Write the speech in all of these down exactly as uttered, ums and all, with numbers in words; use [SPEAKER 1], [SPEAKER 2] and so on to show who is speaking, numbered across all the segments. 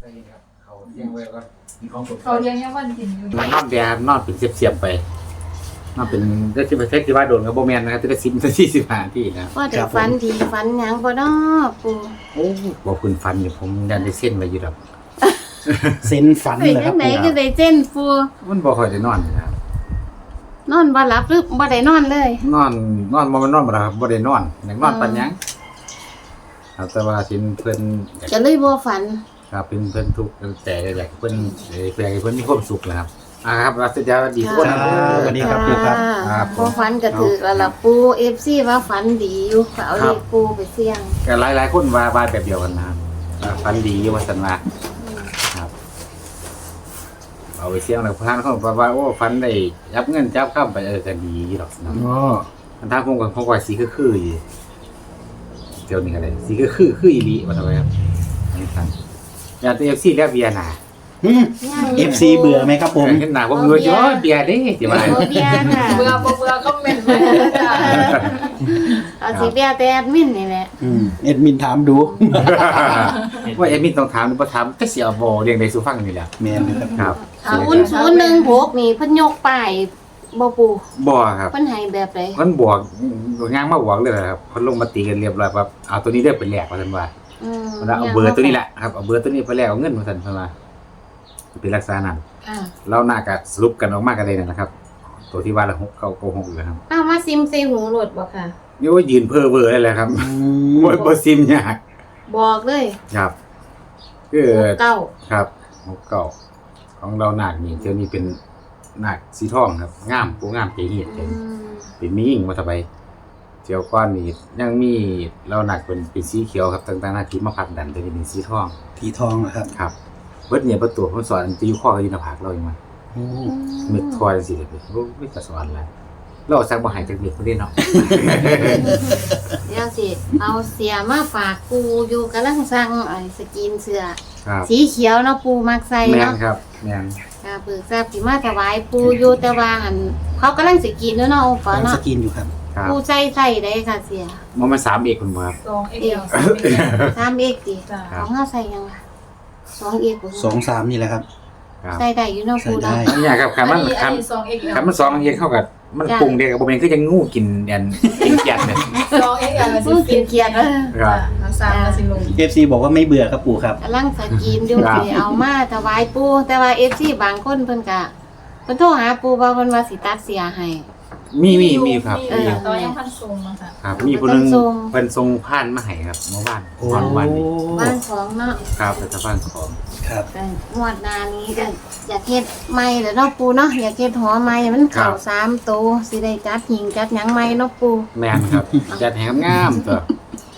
[SPEAKER 1] เขาเลี้ยงไว้ก็มีของสด
[SPEAKER 2] เขาเลี้ยงยังวันกินอยู่
[SPEAKER 1] นอนแดดนอนเป็นเสียบๆไปนอนเป็นได้ที่ประเทศที่ว่าโดนกับโบแมนนะครับที่ได้สิบนาทีสิบห้านาทีนะ
[SPEAKER 3] ว่าแต่ฝันดีฝันหยังบ่น้อปู่
[SPEAKER 1] โอ้บอกคุณฟันอยู่ผมยันได้เส้นไว้อยู่ดอก
[SPEAKER 4] เซนฝัน
[SPEAKER 3] เป็น
[SPEAKER 4] เหรอค
[SPEAKER 3] จั
[SPEAKER 4] รับ
[SPEAKER 3] งได
[SPEAKER 4] ปู่
[SPEAKER 3] ก็ได้เจนปู่
[SPEAKER 1] มันบ่ค่อยได้นอนนะครับ
[SPEAKER 3] นอนบ่หลับหรือบ่ได้นอนเลย
[SPEAKER 1] นอนนอนบ่แมันนอนบ่ล่ะครับบ่ได้นอนอยากนอนปานหยังครับแต่ว่าสินเพิ่นอยาก
[SPEAKER 3] ก็เลยบ่ฝัน
[SPEAKER 1] ครับเป็นเพิ่นทุกข์แต่อยากให้เพิ่นเอ่ออยากให้เพิ่นมีความสุขแหละครับอ่าครับรัสยาดีทุกคนนะ
[SPEAKER 4] สวัสดีครับปู่ครับ
[SPEAKER 1] ครับ
[SPEAKER 3] บ่ฝันก็ถือแล้วล่ะปู่ เอฟ ซี ว่าฝันดีอยู่ก็เอาเลขปู่ไปเสี่ยง
[SPEAKER 1] ก็หลายๆคนว่าว่าแบบเดียวกันนะครับอ่าฟันดีอยู่ว่าซั่นว่าครับเอาไปเสี่ยงแล้วพานเขาบอกว่าโอ้ฟันได้ยับเงินจับข้ามไปเออก็ดีดอกนะ
[SPEAKER 4] อ๋อ
[SPEAKER 1] มันทางผมก็ผมว่าสีคือๆอยู่เดี๋ยวนี้ก็ได้สีคือๆคืออีหลีว่าทำไมครับอันนี้ครับอยากตัว เอฟ ซี แล้วเบียร์หน้า
[SPEAKER 4] อืม เอฟซี เบื่อไหมครับผม
[SPEAKER 1] เห็นหน้าผมอยู่ว่าเบียร์เด้สิว่า
[SPEAKER 3] โอเบียร์ค่ะ
[SPEAKER 2] เบื่อบ่เบื่อก็เมนต์ไปจ้ะ
[SPEAKER 3] เอาสิเบียร์แต่แอดมินนี่แหละ
[SPEAKER 4] อืมเอ็ดมินถามดู
[SPEAKER 1] ว่าเอ็มมินต้องถามหรือบ่ถามก็สิเอาบ่เรียงได้สู่ฟังนี่แหละ
[SPEAKER 4] แมนเลยครับ
[SPEAKER 1] ครับ
[SPEAKER 3] ศูนย์ศูนย์หนึ่งหกนี่เพิ่นยกป้ายบ่ปู่
[SPEAKER 1] บ่ครับ
[SPEAKER 3] เพิ่นให้แบบใด
[SPEAKER 1] มันบวกงางมาบวกเลยครับเพิ่นลงมาตีกันเรียบร้อยว่าเอาตัวนี้เด้อเป็นแลกว่าซั่นว่า
[SPEAKER 3] อืม
[SPEAKER 1] เพิ่นว่าเอาเบอร์ตัวนี้แหละครับเอาเบอร์ตัวนี้ไปแลกเอาเงินว่าซั่นเพิ่นว่าเป็นลักษณะนั้น
[SPEAKER 3] อ่า
[SPEAKER 1] เราน่าก็สรุปกันออกมาก็ได้นั่นแหละครับ ตัวที่ว่าละหกเก้าโกหกอยู่ครับ
[SPEAKER 3] เอามาซิมใส่หูโหลดบ่ค่ะ
[SPEAKER 1] นี่ว่ายืนเพ้อเบ้อได้แหละครับ
[SPEAKER 4] อืม
[SPEAKER 1] บ่บ่ซิมยาก
[SPEAKER 3] บอกเลย
[SPEAKER 1] ครับคือ
[SPEAKER 3] เก้า
[SPEAKER 1] ครับหกเก้าของเรานาคนี่เดี๋ยวนี้เป็นนาคสีทองครับงามผู้งามใจเหียด
[SPEAKER 3] อืม
[SPEAKER 1] เป็นมียิ่งมาทำไมเจียวก้อนนี่ยังมีเราหนักเป็นเป็นสีเขียวครับต่างๆหน้าที่มาพักดันจะเป็นสีทอง
[SPEAKER 4] ทีทองเหรอครับ
[SPEAKER 1] ครับเบิดเนี่ยประตูผมสอนจะอยู่ข้อกับยินผากเราอีกมา
[SPEAKER 4] โอ้
[SPEAKER 1] มึกทอยสิเลยโอ้ไม่จะสอนอะไรเราสักบ่หายจากเด็กคนนี้เนาะ
[SPEAKER 3] เดี๋ยวสิเอาเสียมาฝากปูอยู่กำลังสั่งไอ้สกินเสื้อ
[SPEAKER 1] ครับ
[SPEAKER 3] สีเขียวเนาะปูมักใส่
[SPEAKER 1] แม่น
[SPEAKER 3] เนาะ
[SPEAKER 1] ครับแม่น
[SPEAKER 3] ค่ะเบิกทราบสิมาถวายปูอยู่แต่ว่าหันเขากำลังสิกินแล้วเนาะโอปะ
[SPEAKER 4] กำลังส
[SPEAKER 3] เนาะ
[SPEAKER 4] กินอยู่ครับ
[SPEAKER 1] ครับ
[SPEAKER 3] ปูใส่ใส่ได้ค่ะเสีย
[SPEAKER 1] มันมาสามเอกคุณบ่ครับ
[SPEAKER 2] สองเอ็กเอลสามเอ็กเอล
[SPEAKER 3] สามเอกดิ
[SPEAKER 2] จ้ะ
[SPEAKER 3] ของเฮาใส่ยังล่ะสองเอกบ่
[SPEAKER 4] สองสามนี่แหละครับ
[SPEAKER 1] ครับ
[SPEAKER 3] ใส่ได้อยู่เนาะปู
[SPEAKER 4] ใส่
[SPEAKER 3] เนาะ
[SPEAKER 4] ได้
[SPEAKER 1] อันนี้ครับคันมัน
[SPEAKER 2] อันนี้
[SPEAKER 1] คั
[SPEAKER 2] อัน
[SPEAKER 1] น
[SPEAKER 2] นี้สองเอ็กเอล
[SPEAKER 1] คันมันสองอันเองเข้ากับมัน
[SPEAKER 3] จ้ะ
[SPEAKER 1] ปรุงเดียวกับบ่แม่นคือยังงูกินอันกินเกียดเนี่ย
[SPEAKER 2] สองเอ็กเอล
[SPEAKER 3] ปูกินเกียดเออ
[SPEAKER 1] ครับ
[SPEAKER 2] ทั้งสามกับสิลง
[SPEAKER 4] เอฟซีบอกว่าไม่เบื่อครับปู่ครับ
[SPEAKER 3] กำลังสกินอยู่
[SPEAKER 1] ครับ
[SPEAKER 3] สิเอามาถวายปูแต่ว่า เอฟ ซี บางคนเพิ่นก็เพิ่นโทรหาปูว่าเพิ่นว่าสิตัดเสียให้
[SPEAKER 1] มีมีมีครับ
[SPEAKER 2] มี
[SPEAKER 1] มี
[SPEAKER 2] อยู่แต่ว่ายังพันทรงมาค่ะ
[SPEAKER 1] ครับมีผู้หนึง
[SPEAKER 3] เป็นทรง
[SPEAKER 1] เพิ่นทรงผ่านมาให้ครับเมื่อวาน
[SPEAKER 4] โอ้
[SPEAKER 1] วันวันนี้
[SPEAKER 3] บ้านของเนาะ
[SPEAKER 1] ครับแต่ถ้าบ้านของ
[SPEAKER 4] ครับ
[SPEAKER 3] ก็งวดหน้านี้ก็อยากเฮ็ดใหม่แล้วเนาะปูเนาะอยากเฮ็ดหอใหม่มันเข้าสามโตวสิได้จัดหิงจัดหยังใหม่เนาะปู
[SPEAKER 1] แม่นครับ จัดให้งามๆตัว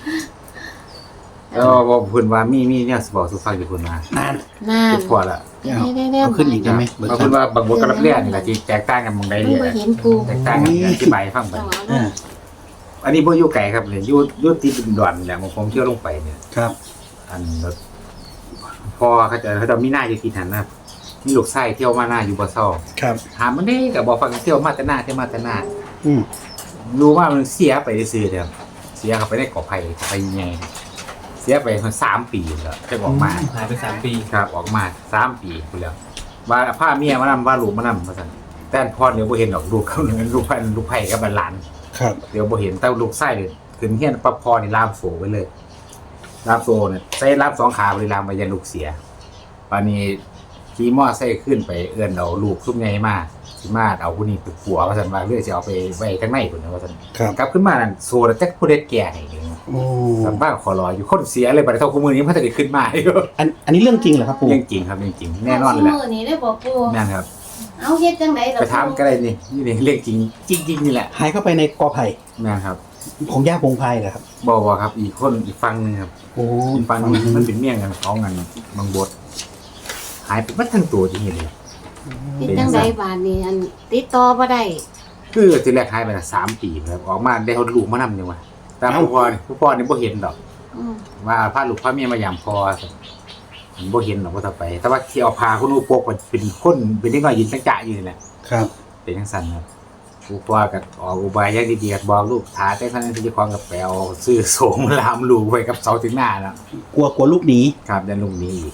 [SPEAKER 1] แล้วบอกเพิ่นว่ามีมีเนี่ยสิบอกสุฟังอยู่เพิ่นว่า
[SPEAKER 4] นาน
[SPEAKER 3] นั่น
[SPEAKER 1] คิดพอละ
[SPEAKER 3] ได้ได้
[SPEAKER 4] เอาขึ้นอีกได้ไหมเบิก
[SPEAKER 1] บาง
[SPEAKER 4] ค
[SPEAKER 1] ค
[SPEAKER 4] รั
[SPEAKER 1] น
[SPEAKER 4] บ
[SPEAKER 1] ว่าบางบทกับนักเรียนนี่แหละที่แตกต่างกันหมองใด
[SPEAKER 3] มัน
[SPEAKER 1] เนี่ย
[SPEAKER 3] บ่เห็นปู
[SPEAKER 1] แตกต่างกันอธิบายให้ฟังไป
[SPEAKER 3] ต้องเอา
[SPEAKER 4] อ่า
[SPEAKER 3] เนาะ
[SPEAKER 1] อันนี้บ่อยู่ไกลครับเนี่ยอยู่อยู่ติดดินดอนนี่แหละผมเที่ยวลงไปเนี่ย
[SPEAKER 4] ครับ
[SPEAKER 1] อันรถพอเขาจะเขาจะมีหน้าอยู่ที่นั่นนะครับมีลูกไส้เที่ยวมาหน้าอยู่บ่เซา
[SPEAKER 4] ครับ
[SPEAKER 1] ถามมันได้ก็บ่ฟังเที่ยวมาแต่หน้าเที่ยวมาแต่หน้า
[SPEAKER 4] อืม
[SPEAKER 1] รู้ว่ามันเสียไปซื่อๆเด้อเสียเข้าไปในกอไผ่ไปใหญ่เสียไปสามปีแล้วจะออกมา
[SPEAKER 5] หายไปสามปี
[SPEAKER 1] ครับออกมาสามปีพุ่นแล้วว่าพาเมียมานำว่าลูกมานำว่าซั่นแต่พ่อเดี๋ยวบ่เห็นดอกลูกเขาลูกไผ่ลูกไผ่กับหลาน
[SPEAKER 4] ครับ
[SPEAKER 1] เดี๋ยวบ่เห็นแต่ลูกไส้เลยขึ้นเฮียนปั๊บพ่อนี่ลามโสไว้เลยลามโสเนี่ยใส่ลามสองขาบริลามไปยันลูกเสียปานนี้ขี่มอไซค์ขึ้นไปเอื้อนเอาลูกซุ่มใหญ่มาสิมาเอาผู้นี้ไปผัวว่าซั่นว่าเรื่อยสิเอาไปไว้ข้างในพุ่นนะว่าซั่น
[SPEAKER 4] ครับ
[SPEAKER 1] กลับขึ้นมานั่นโซแล้วจักผู้ใดแก่ให้นี่
[SPEAKER 4] โอ้
[SPEAKER 1] สัมบ้าขอรออยู่คนเสียเลยบัดนี้เท่าคู่มือนี้มันจะได้ขึ้นมาอยู่
[SPEAKER 4] อันอันนี้เรื่องจริงเหรอครับปู่
[SPEAKER 1] เรื่องจริงครับเรื่องจริงแน่นอนเลยแหละ
[SPEAKER 3] มื้อนี้ได้บ่ปู
[SPEAKER 1] แม่นครับ
[SPEAKER 3] เอาเฮ็ดจังไดล่ะ
[SPEAKER 1] ไปถามก็ได้นี่นี่นี่เรื่องจริงจริงๆนี่แหละ
[SPEAKER 4] หายเข้าไปในกอไผ่
[SPEAKER 1] แม่นครับ
[SPEAKER 4] ของย่าพงไพรเหรอครับ
[SPEAKER 1] บอกว่าครับอีกคนอีกฟังหนึงครับ
[SPEAKER 4] โอ้
[SPEAKER 1] อีกฟังหนึงมันเป็นเมี่ยงกันของกันบางบดหายไปหมดทั้งตัวจริงๆเลย
[SPEAKER 3] เฮ็ดจังไดบาดนี้อันติดต่อบ่ได้
[SPEAKER 1] คือทีแรกหายไปละสามปีครับออกมาได้เขาลูกมานำยังวะแต่ผู้พ่อนี่ผู้พ่อนี่บ่เห็นดอก
[SPEAKER 3] อืม
[SPEAKER 1] ว่าพาลูกพาเมียมายามพ่อผมบ่เห็นดอกว่าต่อไป แต่ว่าที่เอาพาคุณลูกปกมันเป็นคนเป็นเด็กน้อยยืนจังจะอยู่นี่แหละ
[SPEAKER 4] ครับ
[SPEAKER 1] เป็นจังซั่นครับผู้พ่อก็ออกอุบายอย่างดีๆบอกลูกท้าแต่ท่านที่จะคล้องกับแปลวซื้อโสมลามลูกไว้กับเสาถึงหน้าแล้ว
[SPEAKER 4] กลัวกลัวลูกหนี
[SPEAKER 1] ครับดันลูกนี้อีก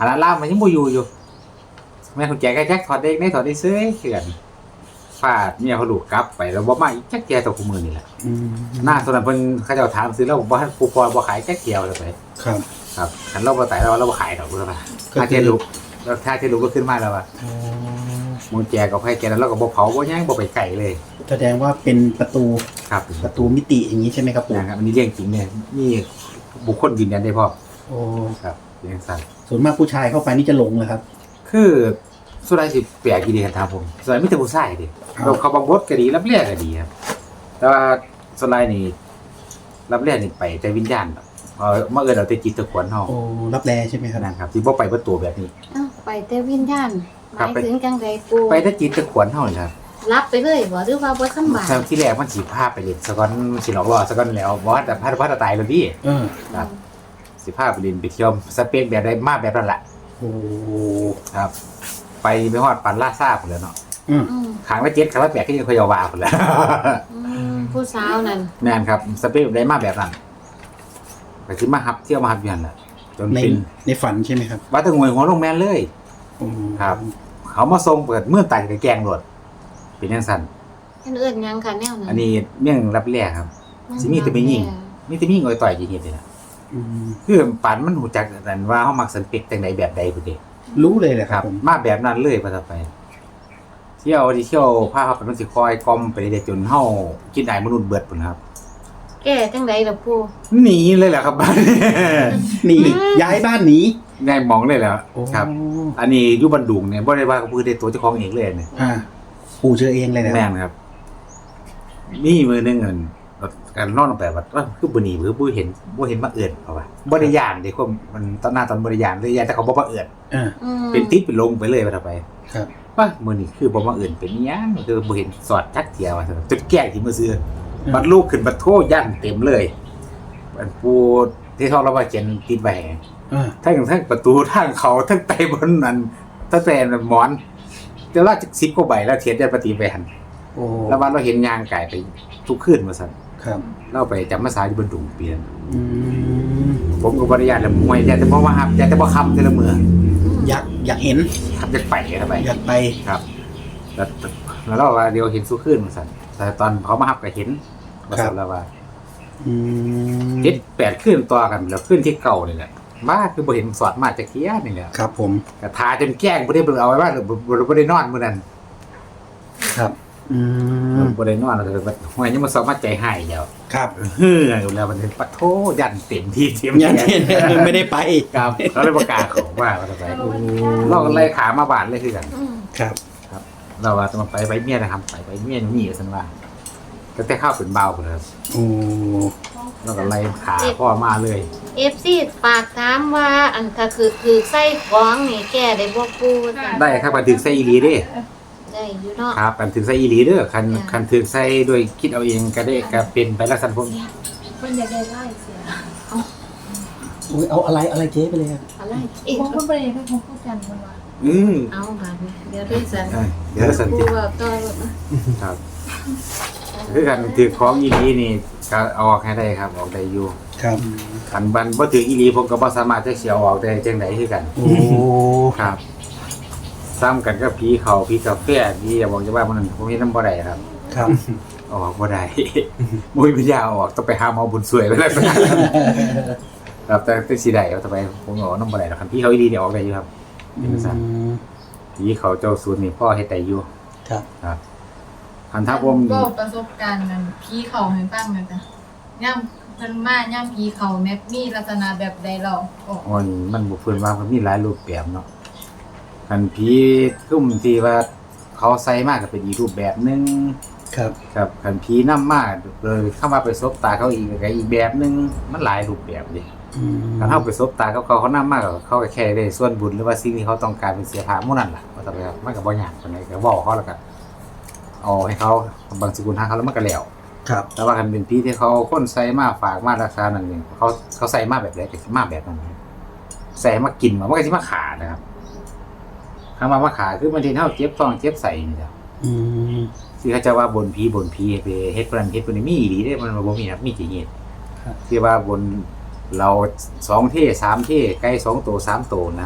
[SPEAKER 1] อันนั้นล่ามมันยังบ่อยู่อยู่แม่คุณแจก็แจ็คถอดเด็กได้ถอดได้ซื้อเขื่อนฟาดเมียเขาลูกกลับไปแล้วบ่มาอีกแจ็คแกตัวคู่มือนี่แหละ
[SPEAKER 4] อืม
[SPEAKER 1] หน้าตัวนั้นเพิ่นเขาเจ้าถามซื้อแล้วบ่ทันปูพอบ่ขายแจ็คเกียวเลยไป
[SPEAKER 4] ครับ
[SPEAKER 1] ครับคันเราบ่ตายเราเราบ่ขายดอกพุ่นล่ะ
[SPEAKER 4] ก็
[SPEAKER 1] ถ้า
[SPEAKER 4] คือ
[SPEAKER 1] เจลูกแล้วถ้าเจลูกก็ขึ้นมาแล้วว่า
[SPEAKER 4] อ๋อ
[SPEAKER 1] มึงแจก็ให้แกแล้วเราก็บ่เผาบ่ย่างบ่ไปไกลเลย
[SPEAKER 4] แสดงว่าเป็นประตู
[SPEAKER 1] ครับ
[SPEAKER 4] ประตูมิติอย่างนี้ใช่ไหมครับปู่
[SPEAKER 1] นะครับอันนี้เรื่องจริงเนี่ยนี่บุคคลยืนยันได้พ่อ
[SPEAKER 4] โอ้
[SPEAKER 1] ครับเรื่องสั้น
[SPEAKER 4] ส่วนมากผู้ชายเข้าไปนี่จะหลงเลยครับ
[SPEAKER 1] คือสุดท้ายสิแปลกอีดีกันทางผมส่วนไม่แต่ผู้ชายดิ
[SPEAKER 4] ครับ
[SPEAKER 1] เราเขาบางบทก็ดีรับเรียกก็ดีครับแต่ว่าสุดท้ายนี่รับเรียกนี่ไปแต่วิญญาณแบบเออเมื่อเอินเราแต่จิตตะขวนเฮา
[SPEAKER 4] โอ้รับแลใช่ไหมครับ
[SPEAKER 1] นะครับที่บ่ไปบ่ตัวแบบนี้
[SPEAKER 3] เอ้าไปแต่วิญญาณห
[SPEAKER 1] ครับ
[SPEAKER 3] มาย
[SPEAKER 1] ไป
[SPEAKER 3] ถึงจังไดปู
[SPEAKER 1] ไปแต่จิตตะขวนเฮานี่ครับ
[SPEAKER 3] รับไปเลยบ่หรือว่าบ่สำบาย
[SPEAKER 1] แต่ที่แรกมันสิพาไปเล่นสะก้อนมันสิหลอกล่อสะก้อนแล้วบ่ว่าแต่พาพาตายแล้วดิ
[SPEAKER 4] เออ
[SPEAKER 1] ครับสิพาไปเล่นไปเที่ยวสเปคแบบใดมาแบบนั้นล่ะ
[SPEAKER 4] โอ้
[SPEAKER 1] ครับ ไปไปฮอดปันลาซ่าพุ่นแล้วเนาะ
[SPEAKER 4] อืม
[SPEAKER 3] อืม
[SPEAKER 1] ขางละเจ็ดขางละแปดก็ยังคอยเอาวาพุ่นแล้ว
[SPEAKER 3] อืมผู้สาวนั่น
[SPEAKER 1] แม่นครับสเปคได้มาแบบนั้นก็คือมาฮับเที่ยวมาฮับอยันแหละจน
[SPEAKER 4] ใน
[SPEAKER 1] เป็น
[SPEAKER 4] ในฝันใช่ไหมครับ
[SPEAKER 1] ว่าแตะงวยหัวลงแม่นเลย
[SPEAKER 4] โอ้
[SPEAKER 1] ครับ เขามาส่งเปิดเมื่อตายกับแกงรถเป็นยังสั่น
[SPEAKER 3] เพิ่นเอิ้นหยังค่ะแนวนั้น
[SPEAKER 1] อันนี้เมี่ยงรับแรกครับ สิมีแต่ไม่ยิ่ง มีแต่มีงอยต่อยจริงๆเลยนะ
[SPEAKER 4] อืม
[SPEAKER 1] คือปันมันหูจักกันว่าเขามักสเปคจังใดแบบใดพุ่นเด้
[SPEAKER 4] รู้เลยแหละ
[SPEAKER 1] ค
[SPEAKER 4] ค
[SPEAKER 1] รั
[SPEAKER 4] รั
[SPEAKER 1] บบ
[SPEAKER 4] ผม
[SPEAKER 1] มาแบบนั้นเลยพอต่อไป เที่ยวที่เที่ยวพาเขาไปมันสิคอยกลอมไปเรื่อยๆจนเฮากินได้มนุษย์เบิดพุ่นครับ
[SPEAKER 3] แก้จังไดล่ะปู
[SPEAKER 1] หนีเลยแหละครับบ้าน
[SPEAKER 4] หนีย้ายบ้านหนี
[SPEAKER 1] ง่ายมองเลยแหล้ว
[SPEAKER 4] โอ้
[SPEAKER 1] ครับ อันนี้อยู่บันดุงเนี่ยบ่ได้ว่ากับมือได้ตัวเจ้าของเองเลยเนี่ย
[SPEAKER 4] อ่าปู่เจอเองเลยนะ
[SPEAKER 1] แม่นครับ มีมือหนึงเงินการนอนลงไปว่าว่าคือบ่หนีคือบ่เห็นบ่เห็นมาเอิ้นเขาว่าบ่ได้ย่านเด้ความมันตอนหน้าตอนบ่ได้ย่านเลยย่านแต่เขาบ่มาเอิ้น
[SPEAKER 4] อ่า
[SPEAKER 3] อืม
[SPEAKER 1] เป็นติดเป็นลงไปเลยว่าต่อไป
[SPEAKER 4] ครับ
[SPEAKER 1] ว่ามื้อนี้คือบ่มาเอิ้นเป็นอิหยังคือบ่เห็นสอดจักเที่ยว่าซั่นจนแก้ที่มือซื้อบัดลูกขึ้นบัดโทย่านเต็มเลยอันปูที่เขาเราว่าเขียนติดไว้
[SPEAKER 4] อ่า
[SPEAKER 1] ทั้งทั้งประตูทางเขาทั้งไตบนนั้นตั้งแต่หมอนจะลาจากสิบกว่าใบแล้วเทียนได้ปฏิไปหัน
[SPEAKER 4] โอ้
[SPEAKER 1] แล้ววันเราเห็นยางไก่ไปทุกคืนมาสั่น
[SPEAKER 4] ครับ
[SPEAKER 1] เราไปจำมาสาอยู่บนดุงเปลี่ยน
[SPEAKER 4] อืม
[SPEAKER 1] ผมกับบริยาแล้วมวยอยากจะบอกว่าครับอยากจะบอกคำแต่ละเมือ
[SPEAKER 4] อยากอยากเห็น
[SPEAKER 1] ครับจะไปกันไป
[SPEAKER 4] อยากไป
[SPEAKER 1] ครับแล้วแล้วเราว่าเดียวเห็นสู้คืนมาสั่นแต่ตอนเขามาหับก็เห็นมาสั่นแล้วว่า
[SPEAKER 4] อืม
[SPEAKER 1] เจ็ดแปดคืนต่อกันแล้วคืนที่เก่านี่แหละบ้าคือบ่เห็นสอดมาจากเทียนี่แหละ
[SPEAKER 4] ครับผม
[SPEAKER 1] กระทาจนแกล้งบ่ได้เบิ่งเอาไว้ว่าหรือบ่บ่ได้นอนมื้อนั้น
[SPEAKER 4] ครับ อืม
[SPEAKER 1] บ่ได้นอนเลยว่าหวยยังมาสอบมาใจหายแล้ว
[SPEAKER 4] ครับ
[SPEAKER 1] เฮ้ออยู่แล้วมันเป็นปะโถยันเต็มที่เต็ม
[SPEAKER 4] ยังเห็นไม่ได้ไป
[SPEAKER 1] ครับเขาเลยประกาศของว่าว่าจะไปเราก็เลยขามาบาดเลยคือกัน
[SPEAKER 3] อืม
[SPEAKER 4] ครับ
[SPEAKER 1] เราว่าจะมาไปไปเมียนะครับไปไปเมียนี่สันว่าก็แต่ข้าวเป็นเบาไปเลยครับ
[SPEAKER 4] โอ้
[SPEAKER 1] เราก็ไล่ขาพ่อมาเลย
[SPEAKER 3] เอฟซีฝากถามว่าอันถ้าคือคือใส่ของนี่แก้ได้บ่ปูจ้ะ
[SPEAKER 1] ได้ครับกันถึงไส้อีหลีเด้
[SPEAKER 3] ได้อยู่เนาะ
[SPEAKER 1] ครับกันถึงไส้อีหลีเด้อคัน
[SPEAKER 3] จ้ะ
[SPEAKER 1] คันถึงไส้ด้วยคิดเอาเองก็ได้ก็เป็นไปลักษณะพวก
[SPEAKER 2] เพิ่นอยากได้ไล่เสีย
[SPEAKER 4] โอ้ยเอาอะไรอะไรเจ๊ไปเลยครับ
[SPEAKER 3] อะไรเอ๊ะ
[SPEAKER 2] ผมเพิ่นบ่ได้ให้ผมพูดกันเพิ่นว่า
[SPEAKER 1] อืม
[SPEAKER 3] เอาบาดนี้เดี๋ยวได้สัน
[SPEAKER 1] เอ้ยเดี๋ยวสัน
[SPEAKER 3] ปู
[SPEAKER 1] ติ
[SPEAKER 3] ว่าต่อรถนะครับ
[SPEAKER 1] คือกันถือของอีหลีนี่ก็เอาออกให้ได้ครับออกได้อยู่
[SPEAKER 4] ครับ
[SPEAKER 1] คันบันบ่ถืออีหลีผมก็บ่สามารถจะเสียออกได้จังได๋คือกัน
[SPEAKER 4] โอ้
[SPEAKER 1] ครับ ซ้ำกันกับผีเขาผีกาแฟผีอย่าบอกจะว่ามันนั้นผมเห็นนำบ่ได้ครับ
[SPEAKER 4] ครับ
[SPEAKER 1] เอาออกบ่ได้ บ่มีปัญญาเอาออกต้องไปหาหมอบุญสวยไปแล้วครับแต่แต่สิได้เอาต่อไปผมเอานำบ่ได้หรอกคันผีเขาอีหลีเนี่ยออกได้อยู่ครับ
[SPEAKER 4] อืม
[SPEAKER 1] ผีเขาเจ้าสูตรนี่พ่อเฮ็ดได้อยู่
[SPEAKER 4] ครับ
[SPEAKER 1] ครับคันถ้าผม
[SPEAKER 2] ก็ประสบการณ์นั้นผีเข้าให้ฟังนะจ๊ะย่ำเพิ่นมาย่ำผีเข้าแม่มีลักษณะแบบใดเราโอ้
[SPEAKER 1] โอ้ยมันบ่เพิ่นว่ามันมีหลายรูปแบบเนาะคันผีซุ่มที่ว่าเขาใส่มาก็เป็นอีกรูปแบบหนึง
[SPEAKER 4] ครับ
[SPEAKER 1] ครับคันผีนำมาเลยเข้ามาไปซบตาเขาอีกก็อีกแบบหนึงมันหลายรูปแบบดิ
[SPEAKER 4] อืม
[SPEAKER 1] คันเฮาไปซบตาเขาเขาเขานำมาก็เขาก็แค่ได้ส่วนบุญหรือว่าสิ่งที่เขาต้องการเป็นเสียภาพหมู่นั่นล่ะว่าแต่ครับมันก็บ่ยากปานใดก็เว้าเขาแล้วก็เอาให้เขาบางสกุลทางเขาแล้วมันก็แล้ว
[SPEAKER 4] ครับ
[SPEAKER 1] แต่ว่าคันเป็นผีที่เขาคนใส่มาฝากมาราคานั่นเองเขาเขาใส่มาแบบใดก็สิมาแบบนั้นใส่มากินมามันก็สิมาขานะครับคำว่ามาขาคือมันที่เฮาเจ็บท้องเจ็บไส้นี่แหละ
[SPEAKER 4] อืม
[SPEAKER 1] ที่เขาจะว่าบนผีบนผีไปเฮ็ดปานเฮ็ดปานนี้มีอีหลีเด้มันบ่มีครับมีจริงๆที่ว่าบนเราสองเท่สามเท่ไก่สองตัวสามตัวนะครับ
[SPEAKER 4] ค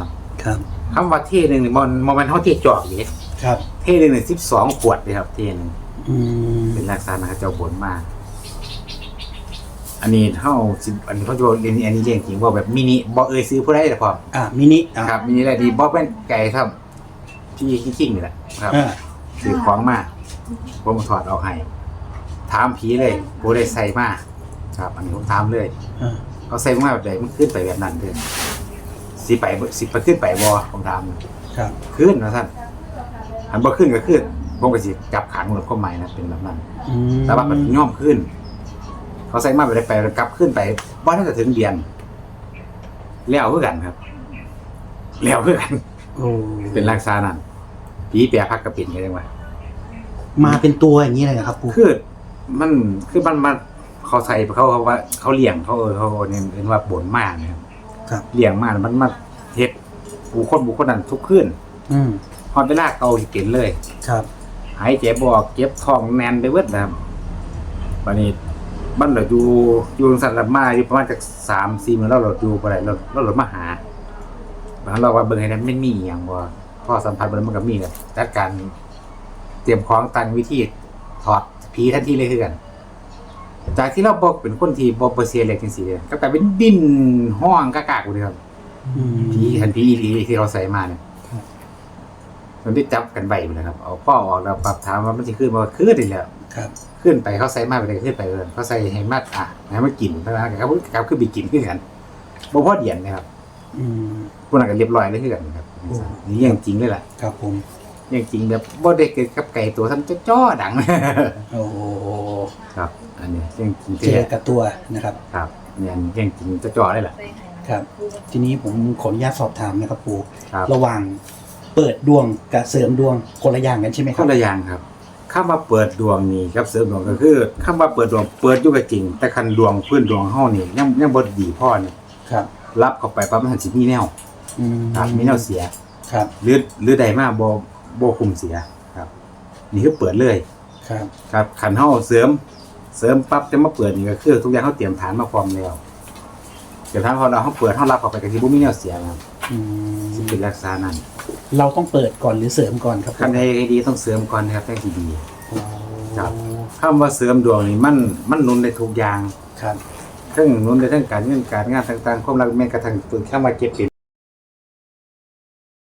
[SPEAKER 4] ครับ
[SPEAKER 1] คำว่าเท่หนึ่งนี่มันมันมันเท่าเท่จอกอยู่
[SPEAKER 4] ครับ
[SPEAKER 1] เท่หนึ่งนี่สิบสองขวดเลยครับเท่หนึ่ง
[SPEAKER 4] อืม
[SPEAKER 1] เป็นลักษณะเขาเจ้าบนมาก อันนี้เท่าสิบอันนี้เขาจะบอกเรียนอันนี้เรื่องจริงว่าแบบมินิบอเอยซื้อผู้ได้แต่พอ
[SPEAKER 4] อ่ามินิอ่า
[SPEAKER 1] ครับมินิอะไรดีบอเป็นไก่ครับพี่คิงๆนี่แหละครับ
[SPEAKER 4] อ่า
[SPEAKER 1] ซื้อของมาผมถอดออกให้ถามผีเลยผู้ได้ใส่มาครับ อันนี้ผมถามเลย
[SPEAKER 4] อ่า
[SPEAKER 1] เขาใส่มาแบบไหนมันขึ้นไปแบบนั้นเลยสิไปสิไปขึ้นไปบอผมถาม
[SPEAKER 4] ครับ
[SPEAKER 1] ขึ้นนะท่านหันบ่ขึ้นก็ขึ้นผมก็สิจับขังหมดข้อหมายนะเป็นแบบนั้น
[SPEAKER 4] อืม
[SPEAKER 1] แต่ว่ามันย่อมขึ้น เขาใส่มาไปได้ไปกลับขึ้นไปบ้านน่าจะถึงเดือนแล้วคือกันครับแล้วคือกัน
[SPEAKER 4] โอ้
[SPEAKER 1] เป็นลักษณะนั้นผีแปรพักกระปิ่นเลยจังวะ
[SPEAKER 4] มาเป็นตัวอย่างนี้เลยเหรอครับปู่
[SPEAKER 1] คือมันคือมันมาเขาใส่เขาเขาว่าเขาเลี้ยงเขาเออเขาเนี่ยเรียกว่าบ่นมากนะครับ
[SPEAKER 4] ครับ
[SPEAKER 1] เลี้ยงมากมันมาเฮ็ดบุคคลบุคคลนั้นทุกคืน
[SPEAKER 4] อืม
[SPEAKER 1] พอเวลาเกาสิเป็นเลย
[SPEAKER 4] ครับ
[SPEAKER 1] หายใจบ่ออกเก็บท้องแน่นไปเบิดนะครับวันนี้บ้านเราอยู่อยู่สัตว์ละมาอยู่ประมาณจากสามสี่มื้อเราเราอยู่บ่ได้เราเราเรามาหาบางเราว่าเบิ่งให้นั้นไม่มีอหย่างบ่พอสัมผัสเบิ่งมันก็มีกันจัดการเตรียมของตั้งวิธีถอดผีทันทีเลยคือกัน จากที่เราบอกเป็นคนที่บ่บ่เสียเล็กจังซี่เด้ก็กลายเป็นดิ้นห้องกากๆเลยครับ
[SPEAKER 4] อืม
[SPEAKER 1] ผีทันผีอีหลีที่เขาใส่มาเนี่ย
[SPEAKER 4] ครับ
[SPEAKER 1] มันได้จับกันใบไปเลยครับเอาข้อออกแล้วปรับถามว่ามันสิขึ้นบ่ขึ้นอีกแล้ว
[SPEAKER 4] ครับ
[SPEAKER 1] ขึ้นไปเขาใส่มาไปเลยขึ้นไปเลยเขาใส่ให้มาอ่ะให้มันกินเพราะว่าเขาเขาขึ้นไปกินขึ้นกันบ่พอเดียนนะครับ
[SPEAKER 4] อืม
[SPEAKER 1] พวกนั้นก็เรียบร้อยเลยขึ้นกันครับ
[SPEAKER 4] โอ้
[SPEAKER 1] นี่เรื่องจริงเลยล่ะ
[SPEAKER 4] ครับผม
[SPEAKER 1] เรื่องจริงแบบบ่ได้เกิดกับไก่ตัวท่านจ้อๆดัง
[SPEAKER 4] โอ้โห
[SPEAKER 1] ครับ อันนี้เรื่องจริง
[SPEAKER 4] เจอกับตัวนะครับ
[SPEAKER 1] ครับเนี่ยเรื่องจริงจ้อๆเลยล่ะ
[SPEAKER 4] ครับ ทีนี้ผมขออนุญาตสอบถามนะครับปู่
[SPEAKER 1] ครับ
[SPEAKER 4] ระหว่างเปิดดวงกับเสริมดวงคนละอย่างกันใช่ไหมค
[SPEAKER 1] ครับ นละอย่างครับคำว่าเปิดดวงนี่ครับเสริมดวงก็คือคำว่าเปิดดวงเปิดอยู่ก็จริง แต่คันดวงพื้นดวงเฮานี่ยังยังบ่ดีพอนี่
[SPEAKER 4] ครับ
[SPEAKER 1] รับเข้าไปปั๊บมันสิมีแนว
[SPEAKER 4] อืม
[SPEAKER 1] ครับมีแนวเสีย
[SPEAKER 4] ครับ
[SPEAKER 1] หรือหรือใดมาบ่บ่คุมเสียครับ นี่คือเปิดเลย
[SPEAKER 4] ครับ
[SPEAKER 1] ครับคันเฮาเสริม เสริมปั๊บจะมาเปิดนี่ก็คือทุกอย่างเฮาเตรียมฐานมาพร้อมแล้วเตรียมฐานพอเราเฮาเปิดเฮารับเข้าไปก็สิบ่มีแนวเสียครับ
[SPEAKER 4] อืม
[SPEAKER 1] สิเป็นลักษณะนั้น
[SPEAKER 4] เราต้องเปิดก่อนหรือเสริมก่อนครับ
[SPEAKER 1] คันใดดีต้องเสริมก่อนนะครับจังสิดี
[SPEAKER 4] โอ้
[SPEAKER 1] ครับ คำว่าเสริมดวงนี่มันมันหนุนได้ทุกอย่าง
[SPEAKER 4] ครับ
[SPEAKER 1] ทั้งหนุนได้ทั้งการเงินการงานต่างๆความรักแม้กระทั่งตัวเข้ามาเก็บเป็น